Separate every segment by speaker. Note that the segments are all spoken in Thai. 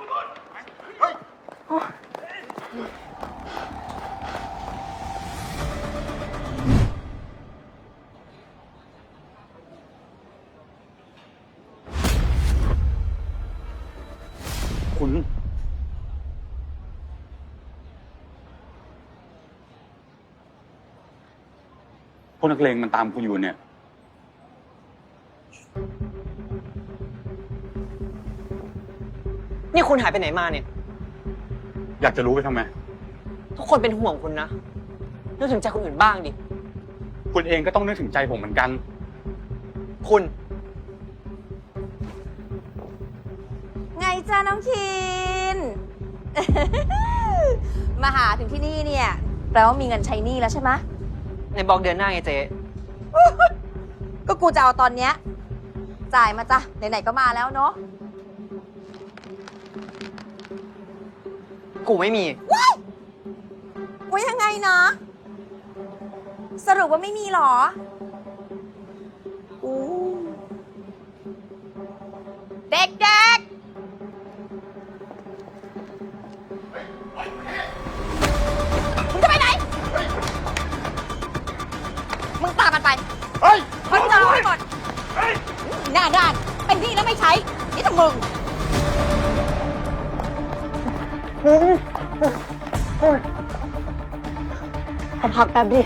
Speaker 1: คุณพวกนักเลงมันตามคุณอยู่เนี่ย
Speaker 2: นี่คุณหายไปไหนมาเนี่ย
Speaker 1: อยากจะรู้ไปทำไม
Speaker 2: ทุกคนเป็นห่วงคุณนะนึกถึงใจคนอื่นบ้างดิ
Speaker 1: คุณเองก็ต้องนึกถึงใจผมเหมือนกัน
Speaker 2: คุณ
Speaker 3: ไงจ้าน้องคิน มาหาถึงที่นี่เนี่ยแปลว่ามีเงินใช้หนี้แล้วใช่ไหม
Speaker 2: ในบอกเดือนหน้าไงเจ๊
Speaker 3: ก็กูจะเอาตอนเนี้ยจ่ายมาจ้ะไหนๆก็มาแล้วเนาะ
Speaker 2: กูไม่มี
Speaker 3: ว่ายังไงนะสรุปว่าไม่มีหรออู้เด็กๆมึงจะไปไหนมึงตามมันไปมันจะเอาให้หมดหน้าด้านเป็นหนี้แล้วไม่ใช้นี่แต่มึง
Speaker 2: ขอพักแป๊บดิ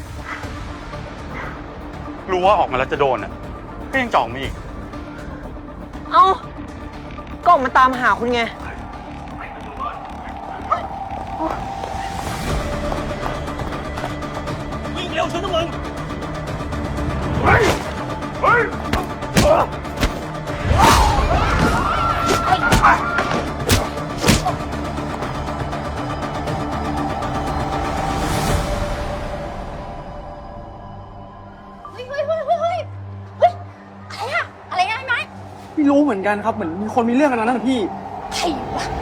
Speaker 1: รู้ว่าออกมาแล้วจะโดนอ่ะก็ยังจ่องมาอีก
Speaker 2: เอ้าก็ออกมาตามหาคุณไง
Speaker 4: วิ่งเร็วชนนะมึง
Speaker 5: ไม่รู้เหมือนกันครับเหมือนมีคนมีเรื่องกันนะพี่
Speaker 3: ใครวะ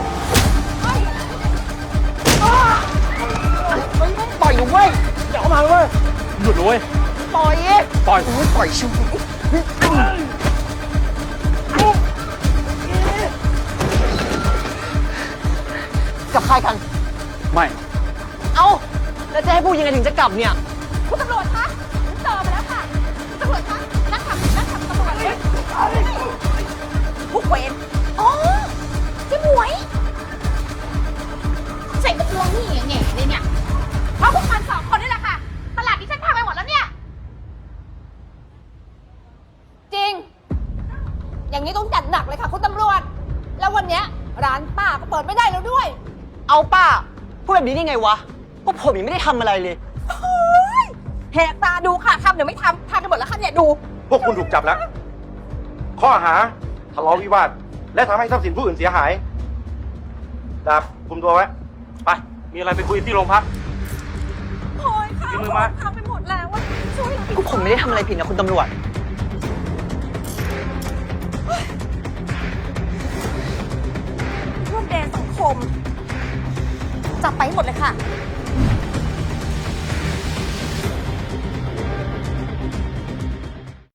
Speaker 2: ปล่อยหนูเว้ยอย่าเข้ามาเว้ย
Speaker 1: หยุดเลย
Speaker 2: ปล่อย
Speaker 1: ปล่อย
Speaker 2: ปล่อยชิวกับใครกัน
Speaker 1: ไม่
Speaker 2: เอ้าแล้วจะให้พูดยังไงถึงจะกลับเนี่ย
Speaker 3: คุณตำรวจคะเจอมาแล้วค่ะคุณตำรวจคะนั่งขับตำรวจเลยผู้เวรอ๋อเจ๊หมวยใส่กระโปรงนี่แง่เลยเนี่ยเพราะพวกมัน2 คนนี่แหละค่ะตลาดนี้ฉันทำไปหมดแล้วเนี่ยจริงอย่างนี้ต้องจัดหนักเลยค่ะคุณตำรวจแล้ววันเนี้ยร้านป้าก็เปิดไม่ได้แล้วด้วย
Speaker 2: เอาป้าพูดแบบนี้ได้ไงวะพวกผมยังไม่ได้ทำอะไรเลย
Speaker 3: แหกตาดูค่ะทำเดี๋ยวไม่ทำไปหมดแล้วค่ะเนี่ยดู
Speaker 4: พวกคุณถูกจับแล้วข้อหาทะเลาะวิวาทและทำให้ทรัพย์สินผู้อื่นเสียหายดาบคุมตัวไว้ไปมีอะไรไปคุยที่โรงพัก
Speaker 3: โอยค่ะ
Speaker 4: มือมา
Speaker 3: ทำไปหมดแล้วว่าช่วย
Speaker 2: พวกผมไม่ได้ทำอะไรผิดนะคุณตำรวจ
Speaker 3: ร่วมแดนสังคมจับไปให้หมดเลยค่ะ